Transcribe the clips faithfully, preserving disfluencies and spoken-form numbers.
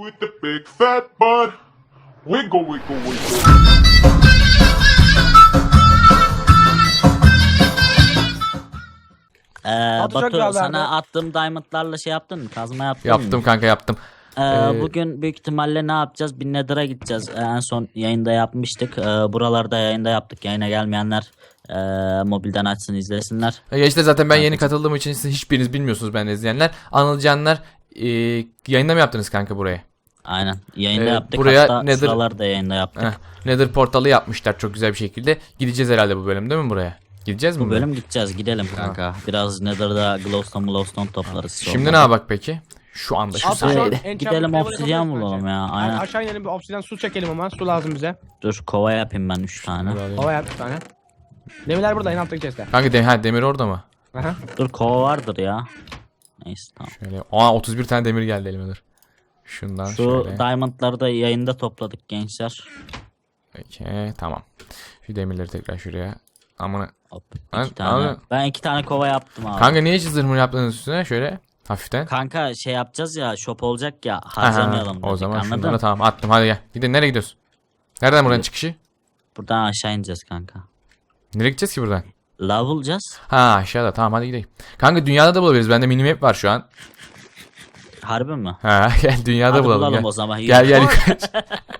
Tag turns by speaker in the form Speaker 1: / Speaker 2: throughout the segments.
Speaker 1: with the big fat butt. Wiggle, wiggle, wiggle.
Speaker 2: Ee,
Speaker 3: Batu çok
Speaker 2: Batu
Speaker 3: güzel
Speaker 2: sana
Speaker 3: verdi.
Speaker 2: attığım diamondlarla şey yaptın mı? Kazma yaptın
Speaker 4: Yaptım
Speaker 2: mı?
Speaker 4: kanka yaptım.
Speaker 2: Ee,
Speaker 4: Ee,
Speaker 2: bugün büyük ihtimalle ne yapacağız? Bir Nether'a gideceğiz. Ee, en son yayında yapmıştık. Ee, buralarda yayında yaptık. Yayına gelmeyenler e, mobilden açsın izlesinler.
Speaker 4: Ya işte zaten ben yeni katıldığım için siz hiçbiriniz bilmiyorsunuz, ben de izleyenler. Anılcanlar e, yayında mı yaptınız kanka buraya?
Speaker 2: Aynen. Yayında
Speaker 4: Ee,
Speaker 2: yaptık.
Speaker 4: buraya
Speaker 2: Hatta
Speaker 4: Nether-
Speaker 2: şuralarda yayında yaptık.
Speaker 4: Heh, Nether portalı yapmışlar çok güzel bir şekilde. Gideceğiz herhalde bu bölüm, değil mi buraya? Gideceğiz mi?
Speaker 2: Bu bölüm gideceğiz. Gidelim kanka. Biraz Nether'da glowstone glowstone toplarız.
Speaker 4: Şimdi
Speaker 2: sonra.
Speaker 4: ne yapak peki? Şu anda şu
Speaker 3: Abi,
Speaker 4: saniye.
Speaker 3: şu an-
Speaker 2: Gidelim,
Speaker 3: en
Speaker 2: gidelim
Speaker 3: çabuk
Speaker 2: obsidyen
Speaker 3: yapabiliriz
Speaker 2: bulalım
Speaker 3: bence.
Speaker 2: ya.
Speaker 3: Yani
Speaker 2: Aynen.
Speaker 3: aşağı inelim bir obsidyen su çekelim ama su lazım bize.
Speaker 2: Dur kova yapayım ben üç tane.
Speaker 3: Hava yap bir tane. Demirler burada en alttaki chest'te.
Speaker 4: Kanka de, ha, demir orada mı?
Speaker 3: Aha.
Speaker 2: Dur kova vardır ya. Neyse tamam.
Speaker 4: Şöyle. Aa otuz bir tane demir geldi elime, dur. Şundan
Speaker 2: Şu
Speaker 4: şöyle.
Speaker 2: diamondları da yayında topladık gençler.
Speaker 4: Peki tamam. Şu demirleri tekrar şuraya. Amına.
Speaker 2: Hop,
Speaker 4: Ben-
Speaker 2: iki tane.
Speaker 4: abi-
Speaker 2: Ben iki tane kova yaptım abi.
Speaker 4: Kanka niye hiç zırhını yaptınız üstüne şöyle hafiften?
Speaker 2: Kanka şey yapacağız ya, shop olacak ya,
Speaker 4: Aha,
Speaker 2: harcamayalım dedik,
Speaker 4: o zaman
Speaker 2: anladın?
Speaker 4: şunları tamam attım, hadi gel. Gidin, nereye gidiyorsun? Nereden buranın çıkışı?
Speaker 2: Buradan aşağı ineceğiz kanka.
Speaker 4: Nereye gideceğiz ki buradan?
Speaker 2: Lav bulacağız.
Speaker 4: Ha aşağıda, tamam hadi gidelim. Kanka dünyada da bulabiliriz, bende minimap var şu an.
Speaker 2: Harbi mi?
Speaker 4: Ha gel dünyada
Speaker 2: Hadi
Speaker 4: bulalım,
Speaker 2: bulalım
Speaker 4: gel.
Speaker 2: o zaman. Yürü.
Speaker 4: Gel gel yukarı çık.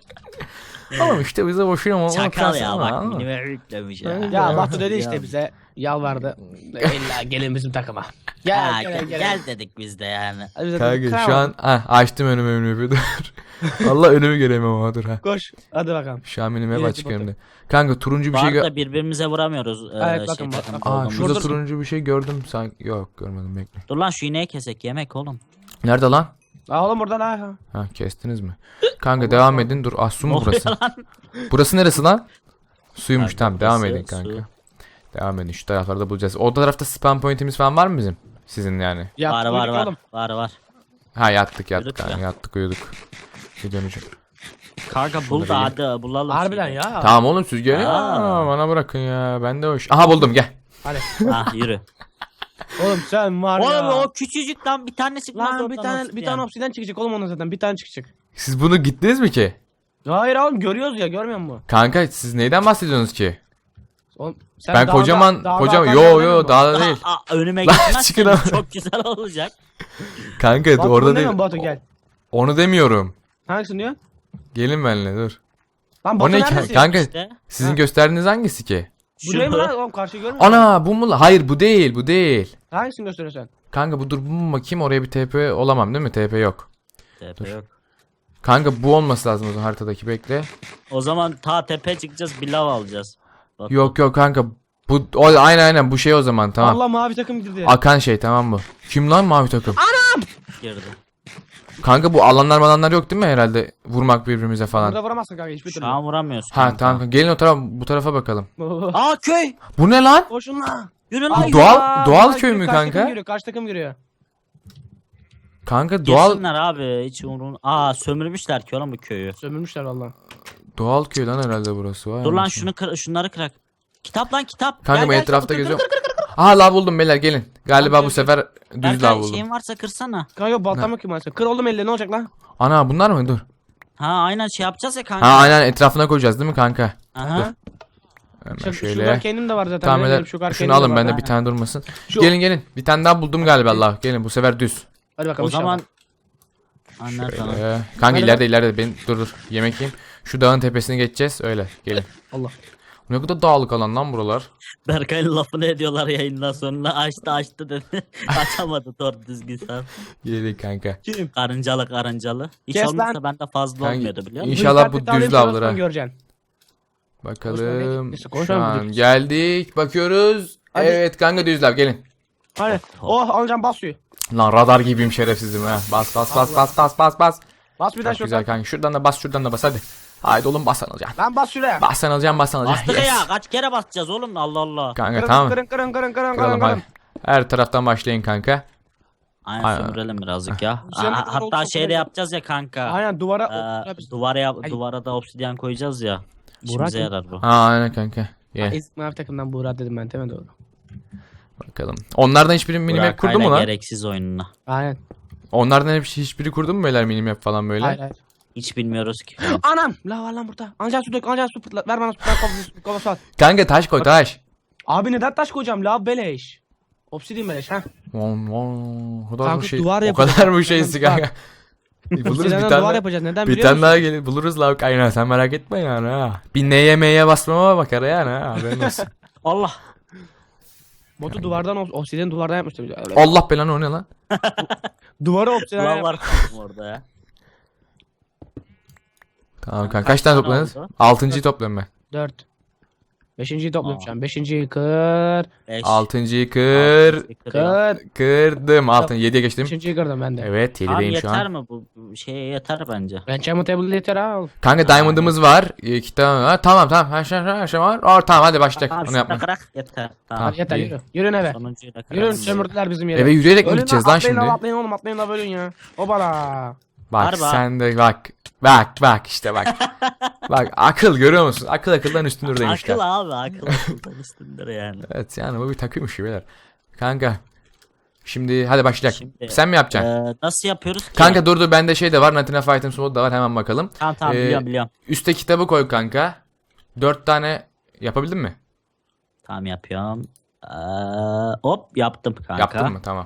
Speaker 4: Oğlum işte bize boşuna mı?
Speaker 2: Çakal ya bak, minime yüklemiş ya.
Speaker 3: Ya Batu dedi işte bize yalvardı. İlla gelin bizim takıma. Gel
Speaker 2: Ha,
Speaker 3: gel
Speaker 2: gel,
Speaker 3: gel.
Speaker 2: gel dedik biz de yani.
Speaker 3: Hadi biz de dedik,
Speaker 4: Kanka şu
Speaker 3: kıramam.
Speaker 4: an ha, açtım önümü önümü dur. Allah önümü göremem ama dur ha.
Speaker 3: Koş hadi bakalım.
Speaker 4: Şu an minimap
Speaker 3: Birisi
Speaker 4: açık
Speaker 3: Batu.
Speaker 4: önümde. Kanka turuncu bir
Speaker 2: Bu
Speaker 4: şey gö-
Speaker 2: arada birbirimize vuramıyoruz. e,
Speaker 3: Evet,
Speaker 2: şey,
Speaker 3: bakın,
Speaker 2: takım
Speaker 3: bakın.
Speaker 4: Aa
Speaker 2: olduğumuz.
Speaker 4: şurada
Speaker 3: Dur, dur.
Speaker 4: turuncu bir şey gördüm sanki. Yok görmedim, bekle.
Speaker 2: Dur lan şu ineği kesek, yemek oğlum.
Speaker 4: Nerede lan?
Speaker 3: Aa oğlum buradan ha.
Speaker 4: Ha kestiniz mi? Kanka devam edin, dur. Ah su mu
Speaker 2: Ne oluyor
Speaker 4: burası? Burası neresi lan? Suymuş,
Speaker 2: Kanka,
Speaker 4: tamam devam
Speaker 2: burası
Speaker 4: edin kanka.
Speaker 2: su.
Speaker 4: Devam edin, şu taraflarda bulacağız. O tarafta spam pointimiz falan var mı bizim? Sizin yani.
Speaker 3: Ya,
Speaker 2: var var
Speaker 3: uyuduk
Speaker 2: var.
Speaker 3: oğlum.
Speaker 2: Var var.
Speaker 4: Ha yattık yattık
Speaker 2: Uyuduk
Speaker 4: kanka,
Speaker 2: ya.
Speaker 4: yattık uyuduk. Bir döneceğim.
Speaker 2: Kanka bul da hadi bulalım.
Speaker 3: Harbiden
Speaker 2: şeyi.
Speaker 3: ya.
Speaker 4: Tamam oğlum siz gelin.
Speaker 2: Aa.
Speaker 4: Aa, bana bırakın ya. Ben de hoş. Aha buldum, gel.
Speaker 3: Hadi.
Speaker 2: Ah yürü.
Speaker 3: Oğlum sen var ya.
Speaker 2: Oğlum o küçücük lan bir tane çıkmaz
Speaker 3: Lan bir
Speaker 2: oradan
Speaker 3: tane bir
Speaker 2: obsidyen.
Speaker 3: tane obsidyen çıkacak oğlum ona zaten bir tane çıkacak.
Speaker 4: Siz bunu gittiniz mi ki?
Speaker 3: Hayır oğlum görüyoruz ya görmüyor musun?
Speaker 4: Kanka siz neyden bahsediyorsunuz ki?
Speaker 3: Oğlum, sen
Speaker 4: Ben
Speaker 3: dağda-
Speaker 4: kocaman
Speaker 3: dağda
Speaker 4: kocaman
Speaker 3: akan
Speaker 4: yo
Speaker 3: yerden
Speaker 4: yo
Speaker 3: mi?
Speaker 4: dağda değil.
Speaker 2: Aa, aa, önüme
Speaker 4: Lan
Speaker 2: gitmezseniz
Speaker 4: çıkın ama.
Speaker 2: çok güzel olacak.
Speaker 4: Kanka
Speaker 3: Batu,
Speaker 4: orada
Speaker 3: bunu
Speaker 4: değil.
Speaker 3: demiyorum, Batu gel.
Speaker 4: Onu demiyorum.
Speaker 3: Hangisini diyor?
Speaker 4: Gelin benimle dur.
Speaker 3: Lan
Speaker 4: O
Speaker 3: Batu
Speaker 4: ne ki?
Speaker 3: neredesin?
Speaker 4: Kanka
Speaker 2: İşte.
Speaker 4: sizin
Speaker 3: Ha.
Speaker 4: gösterdiğiniz hangisi ki?
Speaker 3: Bu değil mi lan? Oğlum karşıyı görmüyor musun?
Speaker 4: Ana bu mu? Hayır bu değil, bu değil.
Speaker 3: Hangisini gösteriyorsun?
Speaker 4: Kanka bu dur bu mu, bakayım oraya bir T P olamam değil mi? T P yok.
Speaker 2: Tepe yok.
Speaker 4: Kanka bu olması lazım o zaman haritadaki, bekle.
Speaker 2: O zaman ta tepe çıkacağız, bir lav alacağız. Bak,
Speaker 4: Yok yok kanka bu o, aynen aynen bu şey o zaman, tamam.
Speaker 3: Allah mavi takım girdi.
Speaker 4: Akan şey, tamam bu. Kim lan mavi takım?
Speaker 2: girdi.
Speaker 4: Kanka bu alanlar malanlar yok değil mi herhalde? Vurmak birbirimize falan.
Speaker 3: Burada vuramazsın kanka hiçbir
Speaker 2: Şu
Speaker 3: türlü.
Speaker 2: an vuramıyorsun.
Speaker 4: Ha
Speaker 2: kanka.
Speaker 4: tamam gelin o tarafa, bu tarafa bakalım.
Speaker 2: Aa köy.
Speaker 4: Bu ne lan?
Speaker 3: Koşun lan.
Speaker 2: Yürü
Speaker 4: Bu
Speaker 2: lan.
Speaker 4: doğal-
Speaker 3: Aa,
Speaker 4: doğal
Speaker 3: kaç-
Speaker 4: köy mü
Speaker 3: kaç
Speaker 4: kanka?
Speaker 3: takım giriyor, kaç takım giriyor?
Speaker 4: Kanka doğal
Speaker 2: Girsinler abi hiç umurun. Aa sömürmüşler ki oğlum bu köyü.
Speaker 3: Sömürmüşler valla.
Speaker 4: doğal köy lan herhalde burası var.
Speaker 2: Dur lan şunu kır, şunları kırak. Kitap lan kitap.
Speaker 4: Kanka
Speaker 2: Gel,
Speaker 4: ben
Speaker 2: gel,
Speaker 4: etrafta
Speaker 2: kır, kır,
Speaker 4: geziyorum. Aha lav buldum beyler, gelin. Galiba
Speaker 3: Tamam,
Speaker 4: bu sefer
Speaker 2: kır.
Speaker 4: düz lav
Speaker 2: Berkay
Speaker 4: buldum.
Speaker 2: şeyin varsa kırsana.
Speaker 3: Kanka baltam yok ki maalesef. Kır oğlum elle ne olacak lan?
Speaker 4: Ana bunlar mı? Dur.
Speaker 2: Ha aynen şey yapacağız ya kanka.
Speaker 4: Ha aynen etrafına koyacağız değil mi kanka?
Speaker 2: Aha.
Speaker 4: Hemen
Speaker 3: Şu,
Speaker 4: şöyle.
Speaker 3: Şuradan kendim de var zaten.
Speaker 4: Tamam
Speaker 3: benim
Speaker 4: beyler
Speaker 3: de şu kadar
Speaker 4: şunu
Speaker 3: kendim de
Speaker 4: alın,
Speaker 3: var.
Speaker 4: bende
Speaker 2: ha.
Speaker 4: bir tane durmasın.
Speaker 3: Şu-
Speaker 4: Gelin gelin. Bir tane daha buldum galiba Allah. Gelin bu sefer düz.
Speaker 3: Hadi bakalım
Speaker 2: O zaman
Speaker 3: inşallah.
Speaker 2: Anlar tamam.
Speaker 4: Ee, kanka
Speaker 3: Hadi
Speaker 4: ileride ileride ben dur dur yemek yiyeyim. Şu dağın tepesine geçeceğiz öyle. Gelin.
Speaker 3: Allah.
Speaker 4: Ne kadar dağlık alan lan buralar.
Speaker 2: Berkay'ın lafını ediyorlar yayından sonra, açtı açtı dedi. Açamadı doğru düzgün sen.
Speaker 4: Gelin kanka.
Speaker 3: Kim?
Speaker 2: Karıncalı karıncalı. Hiç
Speaker 3: Kes
Speaker 2: olmazsa
Speaker 3: lan.
Speaker 2: bende fazla
Speaker 4: Kanka,
Speaker 2: olmuyordu biliyor musun?
Speaker 4: İnşallah bu
Speaker 3: dikkatli
Speaker 4: düz
Speaker 3: davranayım,
Speaker 4: lavlara.
Speaker 3: sonra göreceksin.
Speaker 4: Bakalım.
Speaker 3: Neyse,
Speaker 4: Şu
Speaker 3: konuşalım
Speaker 4: an
Speaker 3: dedik.
Speaker 4: geldik. Bakıyoruz.
Speaker 3: Hadi.
Speaker 4: Evet kanka düz lav gelin.
Speaker 3: Hadi. Oh alacağım bas suyu.
Speaker 4: Lan radar gibiyim şerefsizim ha. Bas bas bas bas bas bas bas.
Speaker 3: Bas bir daha
Speaker 4: Çok
Speaker 3: şuradan.
Speaker 4: güzel kanka. Şuradan da bas şuradan da bas hadi. Haydi oğlum bas alacaksın.
Speaker 3: Lan bas şuraya.
Speaker 4: Bas sen alacaksın bas sen alacaksın.
Speaker 2: Bastık
Speaker 4: Yes.
Speaker 2: ya, kaç kere basacağız oğlum, Allah Allah.
Speaker 4: Kanka
Speaker 3: Kırın,
Speaker 4: tamam.
Speaker 3: Kırın kırın kırın kırın
Speaker 4: Kıralım
Speaker 3: kırın
Speaker 4: hadi.
Speaker 3: kırın.
Speaker 4: Her taraftan başlayın kanka.
Speaker 2: Aynen
Speaker 4: Aynen.
Speaker 2: sömürelim birazcık ya.
Speaker 3: Sen
Speaker 2: Aa,
Speaker 3: ne kadar
Speaker 2: hatta
Speaker 3: oldu,
Speaker 2: şeyde
Speaker 3: oldu.
Speaker 2: yapacağız ya kanka.
Speaker 3: Aynen duvara.
Speaker 2: Ee, duvara yap,
Speaker 3: Ay.
Speaker 2: duvara da obsidyen koyacağız ya. İşimize
Speaker 3: Burak-
Speaker 2: yarar bu.
Speaker 4: Ha aynen kanka. Gel
Speaker 3: Ezik mavi takımdan Buğra dedim ben değil mi doğru?
Speaker 4: bakalım. Onlardan hiçbiri minimap
Speaker 2: Burakay'la
Speaker 4: kurdu mu lan?
Speaker 2: gereksiz oyununa.
Speaker 3: Aynen.
Speaker 4: Onlardan hep hiçbiri kurdu mu beyler minimap falan böyle?
Speaker 3: Hayır hayır.
Speaker 2: Hiç bilmiyoruz ki.
Speaker 3: Anam! La var lan burada. Alacaksın su dök, alacaksın su pırtlat. Ver bana su pırtlat, kovası, kovası at.
Speaker 4: Kanka taş koy taş.
Speaker 3: Abi neden taş koyacağım? La beleş. Obsidian beleş ha.
Speaker 4: Von, von. O kadar
Speaker 3: Kanka,
Speaker 4: bu şey.
Speaker 3: duvar
Speaker 4: O
Speaker 3: yapacağız.
Speaker 4: kadar bu şeysi
Speaker 3: Bak.
Speaker 4: kanka. Buluruz bir
Speaker 3: Obsidian'dan
Speaker 4: tane.
Speaker 3: duvar yapacağız. Neden
Speaker 4: Bir
Speaker 3: biliyor
Speaker 4: tane
Speaker 3: musun?
Speaker 4: daha gelir buluruz la kaynağı sen merak etme yani ha. Bir neye meye basmama bakar yani ha haberin olsun.
Speaker 2: Allah.
Speaker 3: Botu duvardan obs- obsidian duvardan yapmıştım. Öyle.
Speaker 4: Allah belanı o ne lan?
Speaker 3: Duvarı obsidian
Speaker 2: Ulan
Speaker 3: yap.
Speaker 2: var kaldım orada ya.
Speaker 4: Tamam kanka
Speaker 2: Kaç
Speaker 4: kaç tane
Speaker 2: tane
Speaker 4: topladınız?
Speaker 2: oldu?
Speaker 4: Altıncıyı topluyorum ben.
Speaker 3: Dört. Beşinciyi topluyorum
Speaker 2: Aa.
Speaker 3: şu an. Beşinciyi kır.
Speaker 2: Beş.
Speaker 4: Altıncıyı kır.
Speaker 2: Altı, kırıyor.
Speaker 3: Kır.
Speaker 4: Kırdım. Altın yediye geçtim.
Speaker 3: Beşinciyi kırdım ben de.
Speaker 4: Evet
Speaker 2: Tamam
Speaker 4: yedideyim şu
Speaker 2: yeter
Speaker 4: an.
Speaker 2: mi bu? Bu şeye yeter bence.
Speaker 3: Enchantment table yeter ha.
Speaker 4: Kanka diamond'ımız var. İki tane var. Tamam tamam her şey, her şey var. Aa, tamam hadi başlayalım.
Speaker 2: Tamam
Speaker 4: Onu
Speaker 2: şunu
Speaker 4: yapma.
Speaker 2: kırak yeter. Tamam.
Speaker 3: Hadi yeter
Speaker 4: iyi.
Speaker 3: yürü. Yürün eve.
Speaker 2: Sonuncuyu da
Speaker 3: Yürün
Speaker 2: kırak.
Speaker 3: sömürdüler bizim yere.
Speaker 4: Eve yürüyerek mi
Speaker 3: Ölün
Speaker 4: gideceğiz
Speaker 3: lan,
Speaker 4: lan
Speaker 3: atlayın
Speaker 4: şimdi?
Speaker 3: lan, atlayın oğlum atlayın da bölün ya. Obala.
Speaker 4: Bak
Speaker 2: Harbi ha.
Speaker 4: sen de bak. Bak bak işte bak. Bak akıl görüyor musun? Akıl akıldan üstündür demişler.
Speaker 2: Akıl abi akıl akıldan üstündür yani.
Speaker 4: Evet yani bu bir takıymış beyler. Kanka. Şimdi hadi başlayalım.
Speaker 2: Şimdi,
Speaker 4: Sen mi yapacaksın?
Speaker 2: Ee, nasıl yapıyoruz ki?
Speaker 4: Kanka dur dur bende şey de var. Natina Fight'ın modu da var. Hemen bakalım.
Speaker 2: Tamam tamam
Speaker 4: Ee,
Speaker 2: biliyorum biliyorum.
Speaker 4: Üste kitabı koy kanka. Dört tane yapabildin mi?
Speaker 2: Tamam yapıyorum. Ee, hop yaptım kanka.
Speaker 4: Yaptın mı? Tamam.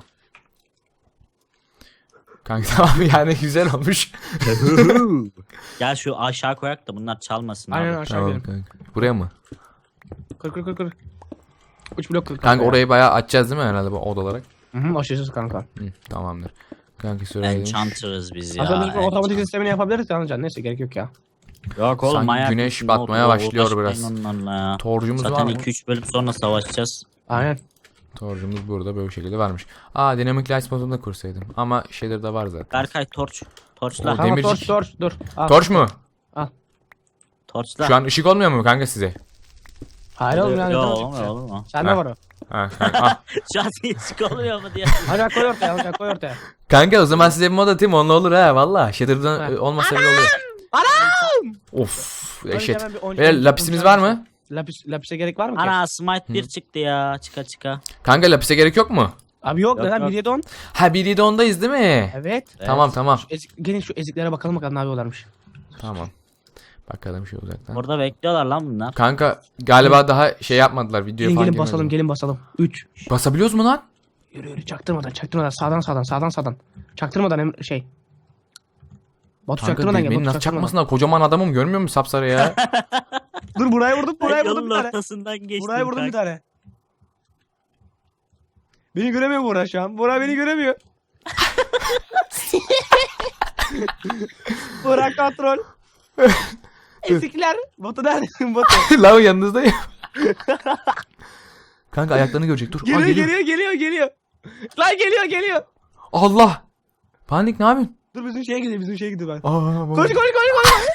Speaker 4: Kanka tamam yani güzel olmuş.
Speaker 2: Gel şu aşağı koyak da bunlar çalmasın
Speaker 3: Aynen
Speaker 2: abi.
Speaker 3: aşağı
Speaker 4: Tamam
Speaker 3: gidelim.
Speaker 4: kanka. Buraya mı?
Speaker 3: Kır kır kır kır. Üç blok kır.
Speaker 4: Kanka orayı bayağı açacağız değil mi herhalde bu oda olarak?
Speaker 3: Hı hı aşırısız kanka.
Speaker 4: Hı, tamamdır. Kanka söyledim.
Speaker 2: Enchanter'ız biz ya.
Speaker 3: Aslında biz bu otomatik
Speaker 2: enchant.
Speaker 3: sistemini yapabiliriz ya anlayacaksın. Neyse gerek yok ya.
Speaker 2: Yok oğlum
Speaker 4: Sanki
Speaker 2: manyak
Speaker 4: güneş
Speaker 2: mısın?
Speaker 4: batmaya
Speaker 2: Yok,
Speaker 4: başlıyor
Speaker 2: uğraşmayın
Speaker 4: biraz.
Speaker 2: onlarla ya.
Speaker 4: Torcumuz var
Speaker 2: Zaten
Speaker 4: mı?
Speaker 2: iki üç bölüm sonra savaşacağız.
Speaker 3: Aynen.
Speaker 4: Torcumuz burada böyle bir şekilde varmış. Aa Dynamic Lights modunu da kursaydım. Ama şeyleri de var zaten.
Speaker 2: Berkay torç. Torçla.
Speaker 4: O
Speaker 3: Tamam
Speaker 4: demircik.
Speaker 3: torç torç dur. Al.
Speaker 4: Torç mu?
Speaker 2: Torçla.
Speaker 4: Şu an ışık olmuyor mu kanka size?
Speaker 3: Hayır oğlum yani.
Speaker 2: Yok
Speaker 3: torç
Speaker 2: olmuyor
Speaker 3: yapacağız.
Speaker 2: olur mu?
Speaker 3: Sende
Speaker 4: Ha.
Speaker 3: var o.
Speaker 4: Ha, kanka. Ah.
Speaker 2: Şu an hiç olmuyor mu diye.
Speaker 3: Hadi bak, koy ortaya hadi bak, koy ortaya.
Speaker 4: Kanka o zaman size bir mod atayım onunla olur ha valla. Shader'dan
Speaker 3: Ha.
Speaker 4: e, olmasa bile olur.
Speaker 3: Anam!
Speaker 4: Of
Speaker 3: Önce
Speaker 4: eşit.
Speaker 3: hemen bir on-
Speaker 4: Beyler
Speaker 3: on-
Speaker 4: lapisimiz
Speaker 3: on-
Speaker 4: var mı?
Speaker 3: Lapis, lapise gerek var mı ki?
Speaker 2: Ana smite bir çıktı ya. Çıka çıka.
Speaker 4: Kanka lapise gerek yok mu?
Speaker 3: Abi yok,
Speaker 2: Yok,
Speaker 3: neden
Speaker 2: yok.
Speaker 3: bir yedi on?
Speaker 4: Ha bir yedi ondayız değil mi?
Speaker 3: Evet.
Speaker 4: Tamam tamam.
Speaker 3: Ezik, gelin şu eziklere bakalım bakalım ne yapıyorlarmış.
Speaker 4: Tamam. Bakalım şu uzaktan.
Speaker 2: Orada bekliyorlar lan bunlar.
Speaker 4: Kanka galiba daha şey yapmadılar video
Speaker 3: Gelin
Speaker 4: falan
Speaker 3: gelin
Speaker 4: girmedi.
Speaker 3: basalım gelin basalım. üç.
Speaker 4: Basabiliyoruz mu lan?
Speaker 3: Yürü yürü çaktırmadan çaktırmadan sağdan sağdan sağdan sağdan. Çaktırmadan em- şey. Batu
Speaker 4: Kanka
Speaker 3: çaktırmadan gel.
Speaker 4: beni
Speaker 3: Batu
Speaker 4: nasıl
Speaker 3: çaktırmadan.
Speaker 4: çakmasınlar? Kocaman adamım görmüyor musun sapsarı ya?
Speaker 3: Dur buraya vurdum buraya vurdum
Speaker 2: Yolun
Speaker 3: bir tane.
Speaker 2: ortasından geçtim.
Speaker 3: Buraya vurdum bir
Speaker 2: kanka.
Speaker 3: tane. Beni göremiyor Burak şu an. Burak beni göremiyor. Burak kontrol. Ezikler. Batu neredesin Batu?
Speaker 4: Lan yanınızdayım. Kanka ayaklarını görecek dur. Aa,
Speaker 3: Geliyor
Speaker 4: geliyor.
Speaker 3: geliyor geliyor geliyor. Lan geliyor geliyor.
Speaker 4: Allah. Panik ne yapıyorsun?
Speaker 3: Dur bizim şeye gidiyor bizim şeye gidiyor ben.
Speaker 4: Aa,
Speaker 3: Koş koş koş koş.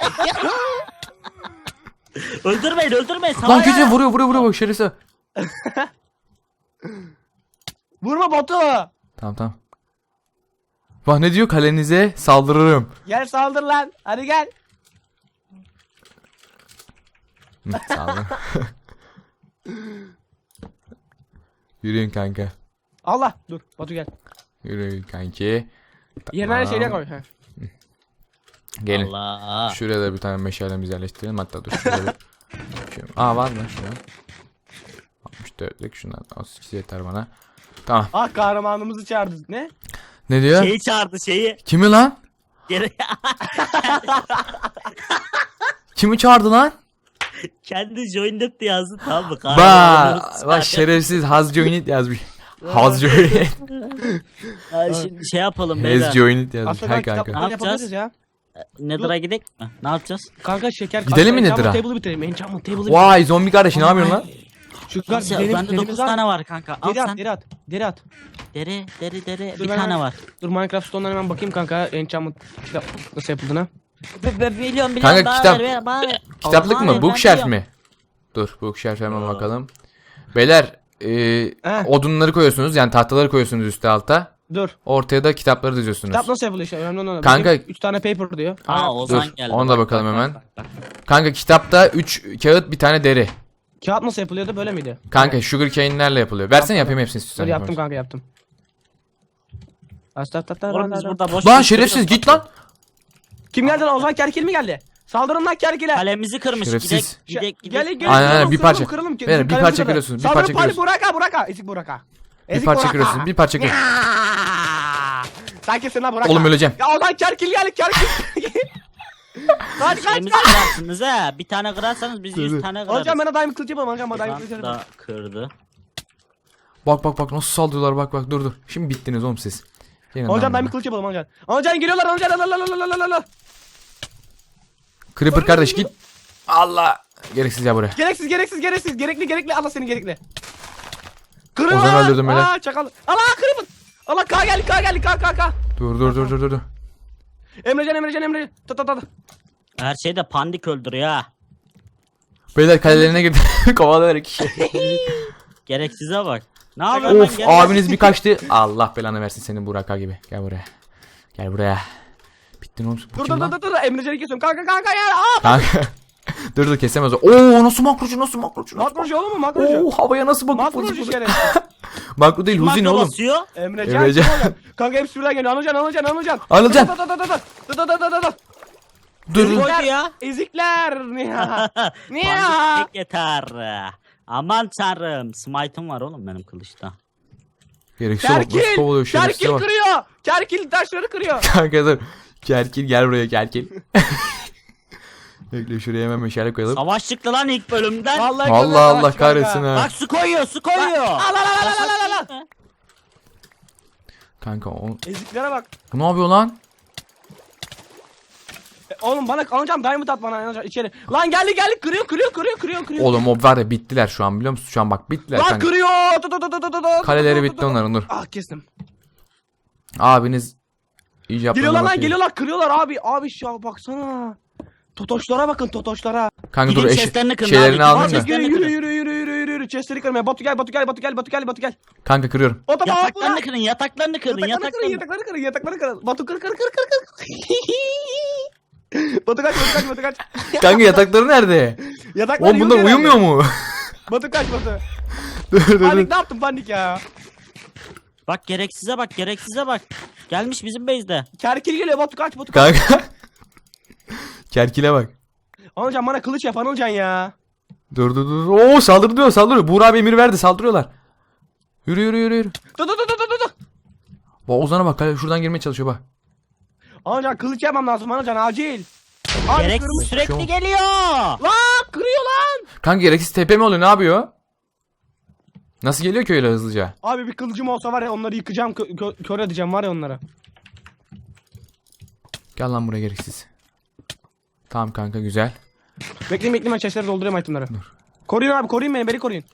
Speaker 2: Öldürmeyin öldürmeyin.
Speaker 4: Lan
Speaker 2: Savaş.
Speaker 4: gidiyor vuruyor vuruyor vuruyor bak şerisi.
Speaker 3: Vurma Batu.
Speaker 4: Tamam tamam. Bak ne diyor kalenize saldırırım.
Speaker 3: Gel saldır lan. Hadi gel.
Speaker 4: Hı, saldır. Yürüyün kanka.
Speaker 3: Allah. Dur Batu gel.
Speaker 4: Yürüyün kanki.
Speaker 3: Yerine her
Speaker 4: Tamam.
Speaker 3: şeyine koy. Heh.
Speaker 4: Gelin.
Speaker 2: Allah.
Speaker 4: Şuraya da bir tane meşalemizi yerleştirelim. Hatta dur şuraya bir... Şöyle- Aa var mı şuraya? altmış dörtlük şundan az yeter bana. Tamam.
Speaker 3: Ah kahramanımızı çağırdı. Ne?
Speaker 4: Ne diyor?
Speaker 2: Şeyi çağırdı şeyi.
Speaker 4: Kimi lan?
Speaker 2: Geri
Speaker 4: Kimi çağırdı lan?
Speaker 2: kendi joined diye yazdı tamam mı?
Speaker 4: Ba,
Speaker 2: Kahramanlarımız
Speaker 4: bak şerefsiz Haz Joinit yazmış. Haz Joinit.
Speaker 2: Ha, Şimdi şey yapalım
Speaker 4: Hez
Speaker 2: beyler.
Speaker 4: Joinit yazmış.
Speaker 3: Aslında
Speaker 4: Ha
Speaker 3: ben
Speaker 4: kanka.
Speaker 3: kitapları
Speaker 2: Ne
Speaker 3: yapabiliriz ya.
Speaker 2: Nether'a gidelim mi? Ne yapacağız?
Speaker 3: Kanka şeker.
Speaker 4: Gidelim mi
Speaker 3: Enchantment
Speaker 4: Nether'a?
Speaker 3: Table'ı bitirelim. Enchantment Table'ı bitirelim.
Speaker 4: Vay zombi kardeş ne yapıyorsun lan?
Speaker 3: Şu
Speaker 2: Nasıl
Speaker 3: kadar
Speaker 2: ya?
Speaker 3: derin,
Speaker 2: Bende
Speaker 3: derimiz
Speaker 2: dokuz
Speaker 3: var.
Speaker 2: tane var kanka. Al
Speaker 3: Deri at,
Speaker 2: sen.
Speaker 3: deri at, deri at.
Speaker 2: Deri, deri, deri.
Speaker 3: Dur
Speaker 2: Bir
Speaker 3: ben
Speaker 2: tane
Speaker 3: hemen-
Speaker 2: var.
Speaker 3: Dur Minecraft Stone'dan hemen bakayım kanka enchantment kitap nasıl yapıldığına.
Speaker 2: Ben biliyorum biliyorum.
Speaker 4: Kanka,
Speaker 2: bana
Speaker 4: kitap-
Speaker 2: ver, ver, bana ver.
Speaker 4: Kitaplık
Speaker 2: Bana
Speaker 4: mı?
Speaker 2: ver,
Speaker 4: Bookshelf
Speaker 2: ben
Speaker 4: mi? Dur bookshelf hemen bakalım. Beyler e,
Speaker 3: He.
Speaker 4: odunları koyuyorsunuz yani tahtaları koyuyorsunuz üstte alta.
Speaker 3: Dur.
Speaker 4: Ortaya da kitapları diziyorsunuz.
Speaker 3: Kitap nasıl yapılıyor işte önemli olan.
Speaker 4: Kanka-
Speaker 3: üç tane paper diyor.
Speaker 2: Aa Ozan
Speaker 4: Dur,
Speaker 2: geldi.
Speaker 4: ona da
Speaker 2: Bak,
Speaker 4: bakalım
Speaker 2: bak,
Speaker 4: hemen.
Speaker 2: bak, bak, bak.
Speaker 4: Kanka kitapta üç kağıt bir tane deri.
Speaker 3: Kağıt nasıl yapılıyordu böyle miydi?
Speaker 4: Kanka sugar cane'lerle yapılıyor. Versene
Speaker 3: Yaptım.
Speaker 4: yapayım hepsini
Speaker 3: Dur
Speaker 4: istiyorsan.
Speaker 3: yaptım kanka yaptım.
Speaker 2: Oğlum biz burada boş
Speaker 4: Lan
Speaker 2: boş
Speaker 4: şerefsiz
Speaker 2: duruyoruz.
Speaker 4: git lan.
Speaker 3: Kim geldi lan? Ozan Kerkil mi geldi? Saldırın lan Kerkil'e.
Speaker 2: Kalemizi kırmış. Gidek
Speaker 4: Şerefsiz.
Speaker 2: gidek gidek.
Speaker 3: Gelin gelin.
Speaker 4: Aynen, aynen,
Speaker 3: kıralım,
Speaker 4: bir
Speaker 3: kıralım,
Speaker 4: parça.
Speaker 3: Kıralım,
Speaker 4: Beyler, bir
Speaker 3: kalemizi
Speaker 4: parça
Speaker 3: kıralım.
Speaker 4: kırıyorsun, bir
Speaker 3: Saldırın
Speaker 4: parça
Speaker 3: pali,
Speaker 4: kırıyorsun.
Speaker 3: Buraka Buraka. Ezik Buraka.
Speaker 4: Bir
Speaker 3: Ezik
Speaker 4: parça
Speaker 3: Buraka.
Speaker 4: kırıyorsun. Bir parça kırıyorsun.
Speaker 3: Sen kimsin lan Buraka?
Speaker 4: Oğlum öleceğim.
Speaker 3: Ya Ozan Kerkil geldi Kerkil. Kaç kaç
Speaker 2: Kalemizi
Speaker 3: kaç.
Speaker 2: kırarsınız he. Bir tane kırarsanız biz
Speaker 4: Dur, dur.
Speaker 2: yüz tane kırarız.
Speaker 3: Hocam bana daim kılıcı yapalım hocam bana daim
Speaker 2: Ulan
Speaker 3: kılıcı yapalım.
Speaker 2: da kırdı.
Speaker 4: Bak bak bak nasıl saldırıyorlar bak bak dur dur. Şimdi bittiniz oğlum siz. Gelin lan
Speaker 3: Hocam daim
Speaker 4: buraya.
Speaker 3: kılıcı yapalım hocam. Hocam geliyorlar hocam. La la la la la la la.
Speaker 4: Creeper kardeş git. Allah. Gereksiz ya buraya.
Speaker 3: Gereksiz gereksiz gereksiz. Gerekli gerekli. Allah seni gerekli. Kırın
Speaker 4: Ozan'ı
Speaker 3: lan.
Speaker 4: öldürdüm böyle.
Speaker 3: Aa çakal. Allah kırın. Allah K geldi K geldi K K K.
Speaker 4: Dur dur dur dur dur. dur.
Speaker 3: Emrecan Emrecan Emrecan. Ta ta ta. ta.
Speaker 2: Her şeyde pandik öldürüyor ha.
Speaker 4: Beyler kalelerine girdi. Kovalıyorlar iki kişi.
Speaker 2: Gereksize bak. Ne yapıyorsun lan?
Speaker 4: Of
Speaker 2: Gel-
Speaker 4: abiniz bir kaçtı. Allah belanı versin senin Burak gibi. Gel buraya. Gel buraya. Bittin oğlum. Bu
Speaker 3: Dur
Speaker 4: kim
Speaker 3: dur
Speaker 4: lan?
Speaker 3: dur dur dur. Emrecan'ı kesiyorum. Kanka kanka ya. Aa.
Speaker 4: Kanka. dur dur kesemez o. Oo nasıl makrocu nasıl makrocu? Nasıl
Speaker 3: Makrocu oğlum mu makrocu?
Speaker 4: Oo havaya nasıl bakıp
Speaker 3: Makrocu şeref.
Speaker 4: Makro değil Huzi ne
Speaker 2: Makro
Speaker 4: oğlum?
Speaker 2: basıyor.
Speaker 3: Emrecan.
Speaker 4: Emrecan.
Speaker 3: Emrecan. Kanka hepsi birden geliyor. Anılcan Anılcan Anılcan.
Speaker 4: Anılcan.
Speaker 3: Dur dur dur dur dur. Dur dur dur dur dur.
Speaker 4: Dur dur.
Speaker 2: Koydu ya.
Speaker 3: Ezikler. Niye? Niye?
Speaker 2: Pandik tek yeter. Aman tanrım. Smite'ım var oğlum benim kılıçta.
Speaker 4: Gereksiz bak nasıl kovalıyor
Speaker 3: Kerkil.
Speaker 4: şerefsize
Speaker 3: Kerkil
Speaker 4: bak.
Speaker 3: kırıyor. Kerkil taşları kırıyor.
Speaker 4: Kanka dur. Kerkil gel buraya Kerkil. Bekle şuraya hemen meşale koyalım.
Speaker 2: Savaş çıktı lan ilk bölümden.
Speaker 3: Vallahi
Speaker 4: Allah
Speaker 3: kırıyor,
Speaker 4: Allah
Speaker 3: savaş
Speaker 4: kahretsin
Speaker 3: kanka.
Speaker 4: ha.
Speaker 2: Bak su koyuyor su koyuyor.
Speaker 3: Al al al al al al al.
Speaker 4: Kanka o...
Speaker 3: Eziklere bak.
Speaker 4: Bu ne yapıyor lan?
Speaker 3: E, Oğlum bana alacağım diamond at bana alacağım içeri. Lan geldi geldi kırıyor kırıyor kırıyor kırıyor kırıyor.
Speaker 4: Oğlum mob var ya bittiler şu an biliyor musun? Şu an bak bittiler
Speaker 3: Lan
Speaker 4: kanka.
Speaker 3: kırıyor. Tut, tut, tut, tut, tut, tut,
Speaker 4: Kaleleri
Speaker 3: tut,
Speaker 4: bitti
Speaker 3: tut, tut.
Speaker 4: onların dur.
Speaker 3: Ah kestim.
Speaker 4: Abiniz iyice yapmadan
Speaker 3: Geliyorlar lan
Speaker 4: bakıyor.
Speaker 3: geliyorlar kırıyorlar abi. Abi şu baksana. Totoşlara bakın totoşlara.
Speaker 4: Kanka dur
Speaker 2: Gidin
Speaker 4: eş
Speaker 2: chestlerini kırın
Speaker 4: şeylerini
Speaker 2: abi.
Speaker 4: aldım
Speaker 2: Gidin
Speaker 4: da.
Speaker 2: chestlerini
Speaker 3: Yürü
Speaker 2: kırın.
Speaker 3: yürü yürü yürü yürü yürü yürü. Chestleri kırmaya. Batu gel Batu gel Batu gel Batu gel Batu gel.
Speaker 4: Kanka kırıyorum.
Speaker 3: Batu Batu
Speaker 2: Yataklarını kırın yataklarını kırın
Speaker 3: Yatakları kırın
Speaker 2: yataklarını.
Speaker 3: yatakları kırın yatakları kırın. Batu kır kır kır kır kır. Batu kaç Batu kaç Batu kaç.
Speaker 4: Kanka yatakları nerede?
Speaker 3: Yataklar
Speaker 4: Oğlum bunlar uyumuyor mu?
Speaker 3: Batu kaç Batu.
Speaker 4: dur dur
Speaker 3: Panik
Speaker 4: dur.
Speaker 3: ne yaptın panik ya.
Speaker 2: Bak gereksize bak gereksize bak. Gelmiş bizim base'de.
Speaker 3: Kerkil geliyor Batu kaç Batu kaç.
Speaker 4: Kanka. Kerkile bak.
Speaker 3: Anılcan bana kılıç yap Anılcan ya.
Speaker 4: Dur dur dur. Oo saldırı diyor saldırıyor. Buğra abi emir verdi saldırıyorlar. Yürü yürü yürü yürü.
Speaker 3: Dur dur dur dur dur dur.
Speaker 4: Bak Ozan'a bak kale şuradan girmeye çalışıyor bak.
Speaker 3: Anılcan kılıç yapmam lazım Anılcan acil. Abi
Speaker 2: Gereksiz
Speaker 3: kırmızı.
Speaker 2: sürekli
Speaker 4: Şu-
Speaker 2: geliyor.
Speaker 3: Lan kırıyor lan.
Speaker 4: Kanka gereksiz tepe mi oluyor ne yapıyor? Nasıl geliyor ki öyle hızlıca?
Speaker 3: Abi bir kılıcım olsa var ya onları yıkacağım kö- kö- kör edeceğim var ya onları.
Speaker 4: Gel lan buraya gereksiz. Tamam kanka güzel.
Speaker 3: Bekleyin bekleyin ben chestleri doldurayım itemleri. Koruyun abi koruyun beni beni koruyun.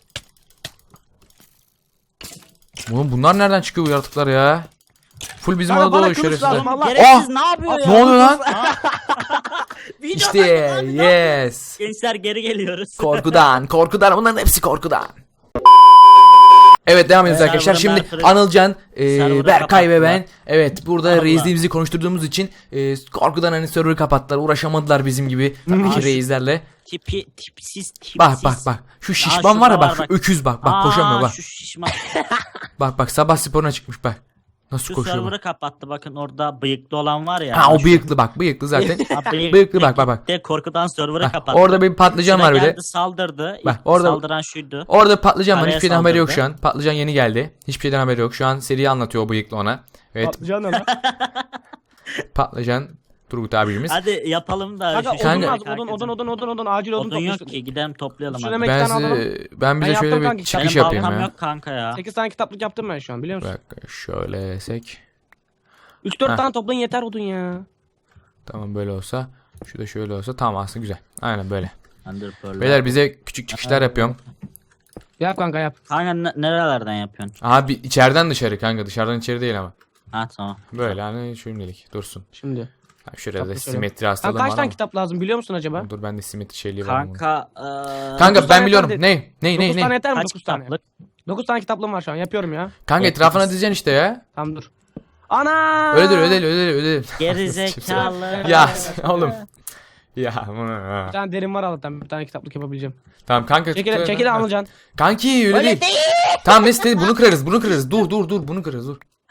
Speaker 4: Oğlum bunlar nereden çıkıyor bu yaratıklar ya? Full bizim
Speaker 3: Kanka
Speaker 4: adada
Speaker 3: bana
Speaker 4: oluyor
Speaker 3: kılıç
Speaker 4: şerefsizler.
Speaker 3: lazım Allah.
Speaker 2: Gereksiz ne yapıyor ya?
Speaker 4: Ne oluyor lan?
Speaker 3: Video
Speaker 4: İşte yes.
Speaker 2: Gençler geri geliyoruz.
Speaker 4: Korkudan, korkudan. Bunların hepsi korkudan. Evet devam ediyoruz
Speaker 2: Evet,
Speaker 4: arkadaşlar.
Speaker 2: server'ı
Speaker 4: Şimdi
Speaker 2: Berkır'ı-
Speaker 4: Anılcan, e,
Speaker 2: server'ı
Speaker 4: Berkay ve
Speaker 2: kapattılar.
Speaker 4: ben. Evet burada
Speaker 2: Allah.
Speaker 4: reisliğimizi konuşturduğumuz için e, korkudan hani server'ı kapattılar. Uğraşamadılar bizim gibi iki reislerle.
Speaker 2: Tipi tipsiz tipsiz.
Speaker 4: Bak bak bak. Şu şişman
Speaker 2: şurada
Speaker 4: var ya bak.
Speaker 2: var
Speaker 4: Şu
Speaker 2: bak.
Speaker 4: öküz bak. Bak
Speaker 2: Aa,
Speaker 4: koşamıyor bak.
Speaker 2: Şu şişman.
Speaker 4: Bak bak sabah sporuna çıkmış bak. Nasıl
Speaker 2: Şu
Speaker 4: koşuyor bak.
Speaker 2: server'ı kapattı bakın orada bıyıklı olan var ya.
Speaker 4: Ha o
Speaker 2: Şu-
Speaker 4: bıyıklı bak. Bıyıklı zaten.
Speaker 2: Ha, bıyıklı,
Speaker 4: Bıyıklı bak bak bak.
Speaker 2: gitti, korkudan server'ı
Speaker 4: Bak,
Speaker 2: kapattı.
Speaker 4: orada bir patlıcan
Speaker 2: Şuna
Speaker 4: var bir de.
Speaker 2: geldi, saldırdı.
Speaker 4: Bak,
Speaker 2: İlk
Speaker 4: orada-
Speaker 2: saldıran şuydu.
Speaker 4: Orada patlıcan var.
Speaker 2: Araya
Speaker 4: Hiçbir şeyden haberi yok
Speaker 2: saldırdı.
Speaker 4: şu an. Patlıcan yeni geldi. Hiçbir şeyden haberi yok. Şu an seriyi anlatıyor o bıyıklı ona. Evet
Speaker 3: Patlıcan ne lan?
Speaker 4: patlıcan Turgut abimiz.
Speaker 2: Hadi yapalım da.
Speaker 3: Kanka
Speaker 2: şu-
Speaker 3: odun
Speaker 4: Kanka-
Speaker 3: lazım odun odun odun odun odun acil odun
Speaker 2: Odun yok
Speaker 3: topluyorsun.
Speaker 2: ki gidelim toplayalım
Speaker 3: Şuna
Speaker 2: hadi.
Speaker 3: mek-
Speaker 4: Ben
Speaker 3: tane alalım.
Speaker 4: size, ben bize
Speaker 3: Ben
Speaker 4: şöyle
Speaker 3: yaptım
Speaker 4: bir
Speaker 3: kanki.
Speaker 4: çıkış
Speaker 2: Benim
Speaker 4: yapayım
Speaker 2: baltam
Speaker 4: ya.
Speaker 2: yok kanka ya.
Speaker 3: sekiz tane kitaplık yaptım ben şu an biliyor
Speaker 4: Bir
Speaker 3: musun?
Speaker 4: dakika şöyle esek.
Speaker 3: üç dört
Speaker 4: Heh.
Speaker 3: tane toplayın yeter odun ya.
Speaker 4: Tamam böyle olsa. Şu da şöyle olsa tamam aslında güzel. Aynen böyle.
Speaker 2: Ender Pearl'ler.
Speaker 4: Beyler bize küçük çıkışlar yapıyorum.
Speaker 3: Yap kanka yap.
Speaker 2: Kanka ne- nerelerden yapıyorsun?
Speaker 4: Abi içeriden dışarı kanka. Dışarıdan içeri değil ama.
Speaker 2: Ha tamam.
Speaker 4: Böyle hani şimdilik dursun.
Speaker 3: Şimdi.
Speaker 4: Ha, şuraya da
Speaker 3: Kitaplık söyle.
Speaker 4: simetri
Speaker 3: Sen
Speaker 4: hastalığım
Speaker 3: kaç
Speaker 4: var
Speaker 3: tane
Speaker 4: ama.
Speaker 3: kitap lazım biliyor musun acaba?
Speaker 4: Dur ben de simetri şeyliği var. bunun.
Speaker 2: Kanka eee
Speaker 4: Kanka
Speaker 3: dokuz
Speaker 4: ben
Speaker 3: tane
Speaker 4: biliyorum.
Speaker 3: yeter
Speaker 4: Ne? Ne ne
Speaker 3: dokuz tane
Speaker 4: ne?
Speaker 3: yeter mi?
Speaker 2: kaç
Speaker 3: dokuz tane.
Speaker 2: kitaplık?
Speaker 3: dokuz tane kitaplığım var şu an yapıyorum ya.
Speaker 4: Kanka
Speaker 2: Evet,
Speaker 4: etrafına
Speaker 2: dokuz.
Speaker 4: dizeceksin işte ya.
Speaker 3: Tamam dur. Ana!
Speaker 4: Öyle dur öyle değil, öyle değil, öyle değil.
Speaker 2: Geri zekalı.
Speaker 4: Ya sen- oğlum. Ya bunu.
Speaker 3: Bir tane derin var Allah'tan bir tane kitaplık yapabileceğim.
Speaker 4: Tamam kanka.
Speaker 3: Çekil
Speaker 4: tut-
Speaker 3: çekil alacaksın.
Speaker 4: Kanki öyle,
Speaker 2: Öyle
Speaker 4: değil.
Speaker 2: değil.
Speaker 4: Tamam neyse bunu kırarız bunu kırarız. Dur dur dur bunu kırarız dur.
Speaker 2: Ha.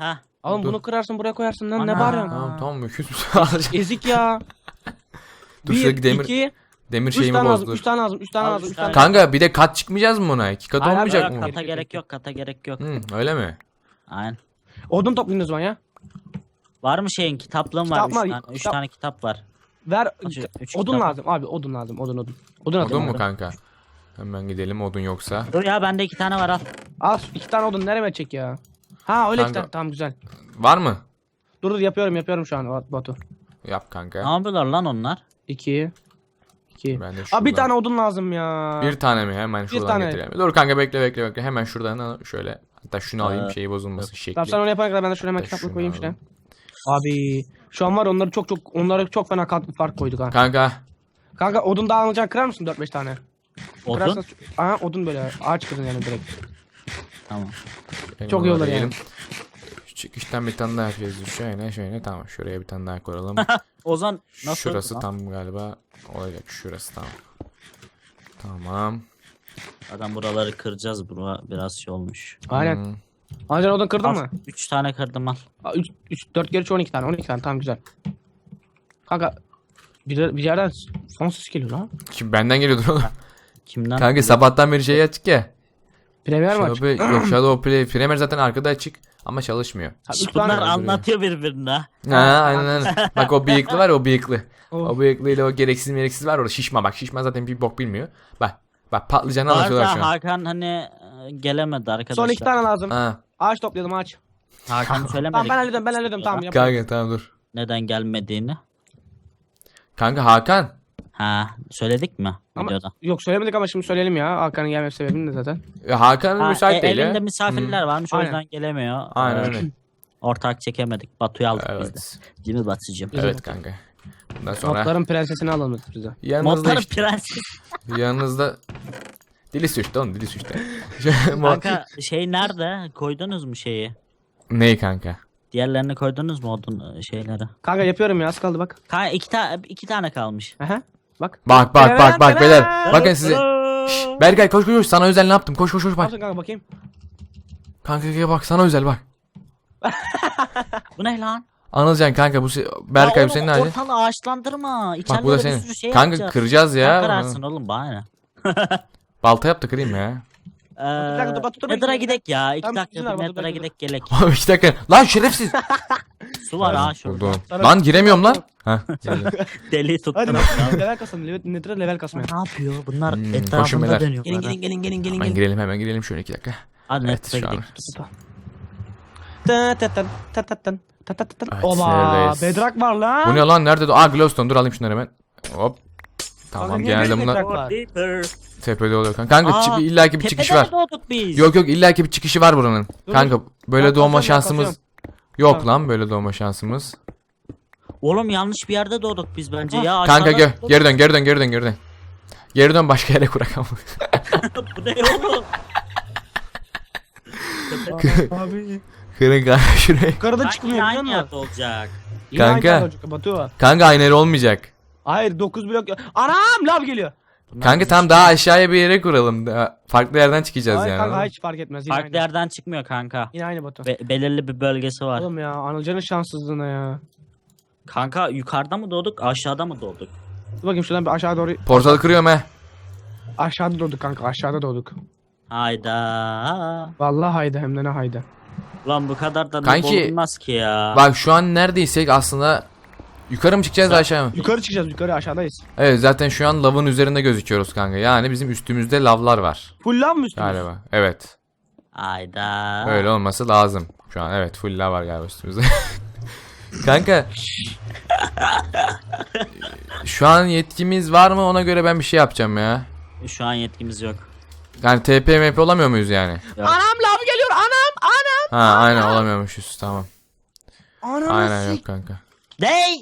Speaker 3: Oğlum
Speaker 2: Dur.
Speaker 3: bunu kırarsın buraya koyarsın lan ne
Speaker 2: Ana.
Speaker 3: bağırıyorsun?
Speaker 4: Tamam tamam öküz müsün? Alacağım.
Speaker 3: Ezik ya.
Speaker 4: Dur
Speaker 3: bir,
Speaker 4: şuradaki demir,
Speaker 3: iki,
Speaker 4: demir
Speaker 3: üç
Speaker 4: şeyimi
Speaker 3: tane lazım,
Speaker 4: bozdur.
Speaker 3: üç tane lazım, üç tane
Speaker 2: Al,
Speaker 3: lazım,
Speaker 2: üç
Speaker 3: üç tane.
Speaker 2: tane.
Speaker 4: Kanka bir de kat çıkmayacağız mı buna? İki kat
Speaker 3: Hayır,
Speaker 4: olmayacak
Speaker 3: hayır,
Speaker 4: mı?
Speaker 2: Kata
Speaker 3: Gerek
Speaker 2: gerek
Speaker 3: yok.
Speaker 2: yok, kata gerek yok.
Speaker 4: Hı, öyle mi?
Speaker 2: Aynen.
Speaker 3: Odun toplayın o zaman ya.
Speaker 2: Var mı şeyin kitaplığın var?
Speaker 3: Kitap
Speaker 2: Üç
Speaker 3: var,
Speaker 2: tane, üç
Speaker 3: kitap-
Speaker 2: tane kitap var.
Speaker 3: Ver,
Speaker 2: Üç- üç
Speaker 3: odun
Speaker 2: kitap.
Speaker 3: lazım abi, odun lazım, odun odun. Odun atın
Speaker 4: Odun mu
Speaker 3: abi.
Speaker 4: kanka? Hemen gidelim odun yoksa.
Speaker 2: Dur ya bende iki tane var al.
Speaker 3: Al iki tane odun nereye çek ya? Ha öyle iki
Speaker 4: Kanka.
Speaker 3: tane, tamam güzel.
Speaker 4: Var mı?
Speaker 3: Dur dur yapıyorum yapıyorum şu an Batu.
Speaker 4: Yap
Speaker 2: Ne
Speaker 4: kanka.
Speaker 2: yapıyorlar lan onlar?
Speaker 3: İki. İki.
Speaker 4: Ben de
Speaker 3: Abi bir
Speaker 4: şuradan-
Speaker 3: tane odun lazım ya.
Speaker 4: Bir tane mi? Hemen şuradan
Speaker 3: tane.
Speaker 4: getireyim. Dur kanka bekle bekle bekle. Hemen şuradan al- şöyle. Hatta şunu alayım
Speaker 2: Ee,
Speaker 4: şeyi bozulmasın şekli.
Speaker 3: Tamam sen onu yapana kadar ben de şuraya hemen
Speaker 4: Hatta
Speaker 3: kitaplık
Speaker 4: şunu
Speaker 3: koyayım
Speaker 4: alalım.
Speaker 3: şuraya. Abi şu an var onları çok çok onları çok fena kat fark koyduk ha.
Speaker 4: Kanka.
Speaker 3: Kanka odun daha alacak kırar mısın dört beş tane?
Speaker 2: Odun?
Speaker 3: Kırarsan- Aha odun böyle ağaç kırın yani direkt.
Speaker 2: Tamam.
Speaker 4: benim
Speaker 3: Çok iyi
Speaker 4: orada
Speaker 3: olur yani.
Speaker 4: yiyelim. Şu çıkıştan bir tane daha yapacağız. Şöyle şöyle tamam. Şuraya bir tane daha koyalım.
Speaker 2: Ozan nasıl?
Speaker 4: Şurası
Speaker 2: lan?
Speaker 4: tam galiba olacak. Şurası tamam. Tamam.
Speaker 2: Zaten buraları kıracağız. Bura biraz şey olmuş.
Speaker 3: Aynen.
Speaker 4: Hmm.
Speaker 3: Ancak odun kırdın
Speaker 2: Al,
Speaker 3: mı?
Speaker 2: Üç tane kırdım al.
Speaker 3: üç, üç, dört kere on iki tane on iki tane tamam güzel. Kanka bir, bir yerden son ses geliyor lan.
Speaker 4: Şimdi benden geliyordur oğlum.
Speaker 2: Kimden?
Speaker 4: Kanka sabahtan beri şey açık ya.
Speaker 3: Premier maç.
Speaker 4: Shadow, yok Shadow Play. Premier zaten arkada açık ama çalışmıyor.
Speaker 3: Üç
Speaker 2: Bunlar
Speaker 3: tane-
Speaker 2: anlatıyor birbirine.
Speaker 4: Ha aynen aynen. Bak o bıyıklı var ya, o bıyıklı.
Speaker 3: Oh.
Speaker 4: O bıyıklıyla o gereksiz gereksiz var orada şişma bak şişma zaten bir bok bilmiyor. Bak bak patlıcanı anlatıyorlar şu
Speaker 2: Arda
Speaker 4: an.
Speaker 2: Hakan hani e, gelemedi arkadaşlar.
Speaker 3: Son iki tane lazım.
Speaker 4: Ha.
Speaker 3: Ağaç toplayalım ağaç.
Speaker 2: Hakan söylemedik.
Speaker 3: Tamam ben hallederim ben hallederim tamam yap.
Speaker 4: Kanka tamam dur.
Speaker 2: Neden gelmediğini.
Speaker 4: Kanka Hakan.
Speaker 2: Ha söyledik mi
Speaker 3: Ama
Speaker 2: videoda?
Speaker 3: yok söylemedik ama şimdi söyleyelim ya. Hakan'ın gelme sebebini de zaten.
Speaker 4: Ya Hakan
Speaker 2: Ha,
Speaker 4: müsait
Speaker 2: e,
Speaker 4: değil
Speaker 2: elinde
Speaker 4: ya.
Speaker 2: misafirler varmış o
Speaker 3: Aynen.
Speaker 2: yüzden gelemiyor.
Speaker 4: Aynen
Speaker 2: Ee,
Speaker 4: öyle.
Speaker 2: Ortak çekemedik. Batu'yu aldık biz de.
Speaker 4: Evet.
Speaker 2: Değil mi Batı'cığım?
Speaker 4: Evet kanka. Bundan sonra
Speaker 3: Notların prensesini alalım bize.
Speaker 4: yanınızda
Speaker 2: Modların
Speaker 4: işte,
Speaker 2: prenses.
Speaker 4: yanınızda dili suçtu oğlum dili suçtu.
Speaker 2: Kanka şey nerede? Koydunuz mu şeyi?
Speaker 4: Ney kanka?
Speaker 2: Diğerlerini koydunuz mu odun e, şeyleri?
Speaker 3: Kanka yapıyorum ya az kaldı bak.
Speaker 2: Kanka iki, ta iki tane kalmış.
Speaker 3: Aha bak.
Speaker 4: Bak bak bak bak beyler. Bakın size.
Speaker 2: Aa!
Speaker 4: Şşş, Berkay koş koş koş sana özel ne yaptım? Koş koş koş
Speaker 3: Ne
Speaker 4: bak.
Speaker 3: yaptın kanka bakayım.
Speaker 4: Kanka kanka bak sana özel bak.
Speaker 2: Bu ne lan?
Speaker 4: Anılcan kanka bu se- Berkay bu
Speaker 2: Ya
Speaker 4: senin
Speaker 2: oğlum,
Speaker 4: hali.
Speaker 2: ortalığı ağaçlandırma.
Speaker 4: Bak
Speaker 2: İçeride
Speaker 4: bu da
Speaker 2: bir
Speaker 4: senin.
Speaker 2: sürü şey
Speaker 4: Kanka
Speaker 2: yapacağız.
Speaker 4: kıracağız
Speaker 2: Sen
Speaker 4: ya.
Speaker 2: kırarsın oğlum bana ne?
Speaker 4: Balta yap da kırayım ya.
Speaker 2: Ee,
Speaker 3: dakika, dur, Batu, dur,
Speaker 2: Nether'a
Speaker 3: bekle.
Speaker 2: gidek ya. İki
Speaker 3: Tamam,
Speaker 2: dakika
Speaker 3: izin ver,
Speaker 2: bir
Speaker 3: Batu,
Speaker 2: Nether'a
Speaker 3: bekle.
Speaker 2: gidek gelek.
Speaker 4: Abi iki dakika. Lan şerefsiz.
Speaker 2: Su var ha şurada.
Speaker 4: Buldum. Lan giremiyorum lan. Ha.
Speaker 2: Deli tuttum.
Speaker 3: Hadi bak level kasalım. Level, nedir level kasmaya.
Speaker 2: Ne yapıyor? Bunlar
Speaker 4: Hmm, koşun
Speaker 2: etrafında
Speaker 4: beyler.
Speaker 2: dönüyorlar.
Speaker 3: Gelin
Speaker 2: ha.
Speaker 3: gelin gelin gelin gelin
Speaker 4: Hemen
Speaker 3: gelin.
Speaker 4: girelim hemen girelim şöyle iki dakika.
Speaker 2: Hadi
Speaker 4: Evet,
Speaker 2: Nether'a
Speaker 4: şu an.
Speaker 2: gidelim.
Speaker 3: Tı tı tı tı tı tı tı tı tı tı.
Speaker 4: Evet,
Speaker 3: Oba
Speaker 4: neredeyiz?
Speaker 3: bedrock var lan.
Speaker 4: Bu ne lan nerede? Aa glowstone dur alayım şunları hemen. Hop. Tamam
Speaker 3: Kanka, niye
Speaker 4: genelde
Speaker 3: böyle
Speaker 4: bunlar
Speaker 3: bedrock var?
Speaker 2: Deeper.
Speaker 4: tepede oluyor kanka. Kanka
Speaker 2: Aa,
Speaker 4: çi- illaki bir çıkışı
Speaker 2: Tepede
Speaker 4: var.
Speaker 2: mi doğduk biz?
Speaker 4: Yok yok illaki bir çıkışı var buranın.
Speaker 3: Dur,
Speaker 4: Kanka böyle
Speaker 3: Ben
Speaker 4: doğma
Speaker 3: kazıyorum, ben
Speaker 4: şansımız
Speaker 3: kazıyorum.
Speaker 4: yok
Speaker 3: Tamam.
Speaker 4: lan böyle doğma şansımız.
Speaker 2: Oğlum yanlış bir yerde doğduk biz bence ya.
Speaker 4: Kanka
Speaker 2: Aşağıda
Speaker 4: gel
Speaker 2: doğduk.
Speaker 4: geri dön geri dön geri dön geri dön. Geri dön başka yere kurak ama.
Speaker 2: Bu ne oğlum?
Speaker 3: Abi.
Speaker 4: Kırın kanka şuraya.
Speaker 3: Yukarıda
Speaker 2: Sanki
Speaker 3: çıkmıyor biliyor
Speaker 2: aynı
Speaker 3: musun?
Speaker 2: yerde olacak.
Speaker 3: Yine aynı
Speaker 4: Kanka.
Speaker 3: yerde olacak, Batu.
Speaker 4: Kanka aynı yer olmayacak.
Speaker 3: Hayır dokuz blok. Anam lav geliyor.
Speaker 2: Bunlar
Speaker 4: Kanka
Speaker 2: bizim-
Speaker 4: tam daha aşağıya bir yere kuralım. Daha farklı yerden çıkacağız
Speaker 3: Hayır
Speaker 4: yani.
Speaker 3: kanka hiç fark etmez. Yine
Speaker 2: Farklı
Speaker 3: aynı.
Speaker 2: yerden çıkmıyor kanka.
Speaker 3: Yine aynı Batu.
Speaker 2: Be- belirli bir bölgesi var.
Speaker 3: Oğlum ya Anılcan'ın şanssızlığına ya.
Speaker 2: Kanka yukarıda mı doğduk aşağıda mı doğduk?
Speaker 3: Dur bakayım şuradan bir aşağı doğru.
Speaker 4: Portalı kırıyorum he.
Speaker 3: Aşağıda doğduk kanka aşağıda doğduk.
Speaker 2: Hayda.
Speaker 3: Vallahi haydi hem de ne haydi.
Speaker 2: Lan bu kadar da
Speaker 4: Kanki,
Speaker 2: olmaz ki ya.
Speaker 4: Bak şu an neredeysek aslında yukarı mı çıkacağız aşağı mı?
Speaker 3: Yukarı çıkacağız yukarı aşağıdayız.
Speaker 4: Evet zaten şu an lavın üzerinde gözüküyoruz kanka. Yani bizim üstümüzde lavlar var.
Speaker 3: Full lav mı üstümüz?
Speaker 4: Galiba. Evet.
Speaker 2: Hayda.
Speaker 4: Öyle olması lazım. Şu an evet full lav var galiba üstümüzde. Kanka. Şu an yetkimiz var mı ona göre ben bir şey yapacağım ya.
Speaker 2: Şu an yetkimiz yok.
Speaker 4: Yani T P M P olamıyor muyuz yani?
Speaker 2: Yok.
Speaker 3: Anam lav geliyor anam anam.
Speaker 4: Ha aynen olamıyormuşuz tamam.
Speaker 3: Anam
Speaker 4: Aynen yok kanka.
Speaker 2: Dey.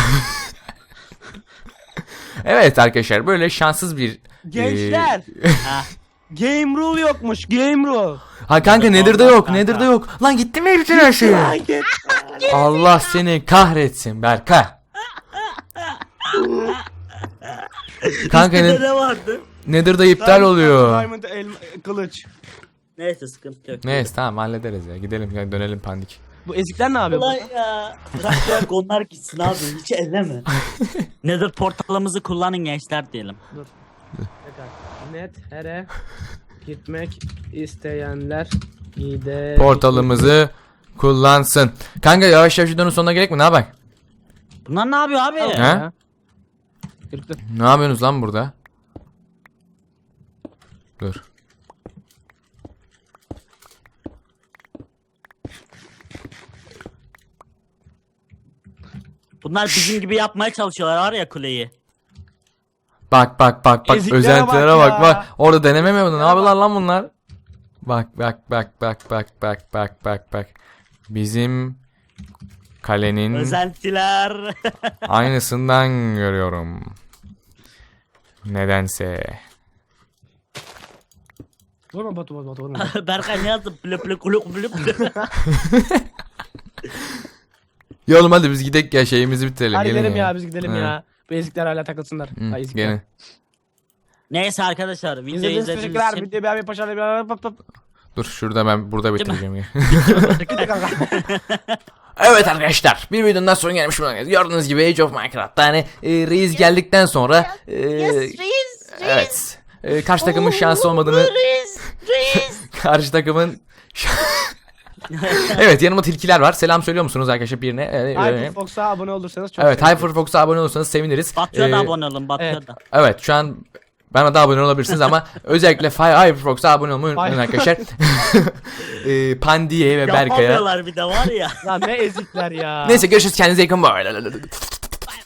Speaker 4: Evet arkadaşlar böyle şanssız bir
Speaker 3: Gençler.
Speaker 2: Ha.
Speaker 3: Game rule yokmuş game rule.
Speaker 4: Ha kanka Nether'da
Speaker 2: Olmaz
Speaker 4: yok
Speaker 2: kanka.
Speaker 4: Nether'da yok. Lan gitti mi bütün her şey? Allah seni kahretsin Berkay. Kanka
Speaker 2: Bizde
Speaker 4: ne,
Speaker 2: ne vardı?
Speaker 4: Nether'da iptal oluyor.
Speaker 3: Diamond elma, kılıç.
Speaker 2: Neyse sıkıntı yok.
Speaker 4: Neyse tamam hallederiz ya gidelim ya dönelim pandik.
Speaker 3: Bu ezikler ne yapıyor?
Speaker 2: Ulan ya. Bırak bırak onlar gitsin abi. Hiç elleme. Nether portalımızı kullanın gençler diyelim.
Speaker 3: Tekrar. Net here gitmek isteyenler gide.
Speaker 4: Portalımızı kullansın. Kanka yavaş yavaş videonun sonuna gerek mi? Ne yapayım?
Speaker 2: Bunlar ne yapıyor abi?
Speaker 4: He?
Speaker 3: Kırıktı.
Speaker 4: Ne yapıyorsunuz lan burada? Dur.
Speaker 2: Bunlar bizim gibi yapmaya çalışıyorlar var ya kuleyi.
Speaker 4: Bak bak bak bak
Speaker 3: Eziklere
Speaker 4: özentilere
Speaker 3: bak
Speaker 4: bak
Speaker 3: ya.
Speaker 4: bak. Orada deneme mi yapıyordun? Ne yapıyorlar lan bunlar? Bak bak bak bak bak bak bak bak bak. Bizim kalenin
Speaker 2: Özentiler.
Speaker 4: aynısından görüyorum. Nedense.
Speaker 3: Vurma Batu Batu Batu vurma.
Speaker 2: Berkay ne yazdı? Blö blö kuluk blö blö.
Speaker 4: Ya oğlum hadi biz gidelim ya şeyimizi bitirelim.
Speaker 3: Hadi
Speaker 4: gelin
Speaker 3: gidelim ya biz gidelim
Speaker 4: He.
Speaker 3: ya. Bu ezikler hala takılsınlar.
Speaker 4: Hı,
Speaker 3: Ha, ezikler.
Speaker 4: gelin.
Speaker 2: Neyse arkadaşlar videoyu
Speaker 3: İzlediğiniz
Speaker 2: izlediğiniz
Speaker 3: teşekkürler.
Speaker 2: için
Speaker 3: Videoyu beğenmeyi paşalayın. Pap pap.
Speaker 4: Dur şurada ben burada bitireceğim ya.
Speaker 3: Bitti kanka.
Speaker 4: Evet arkadaşlar bir videonun daha sonra gelmiş bulunmaktayız. Gördüğünüz gibi Age of Minecraft'ta hani e, Reis geldikten sonra e, evet e, karşı takımın şansı olmadığını karşı takımın evet yanımda tilkiler var. Selam söylüyor musunuz arkadaşlar birine? E, e,
Speaker 3: Hyperfox'a abone olursanız çok
Speaker 4: evet
Speaker 3: sevinirim.
Speaker 4: Hyperfox'a abone olursanız seviniriz.
Speaker 2: Batıya da
Speaker 4: E,
Speaker 2: abone olun Batıya
Speaker 3: evet.
Speaker 2: da.
Speaker 4: Evet şu an bana da abone olabilirsiniz ama özellikle Hyperfox'a abone olmayı unutmayın arkadaşlar. e, Pandiye ve Berkay'a.
Speaker 2: Yapamıyorlar bir de var ya.
Speaker 3: Lan ne ezikler ya.
Speaker 4: Neyse görüşürüz kendinize iyi bakın. Bye.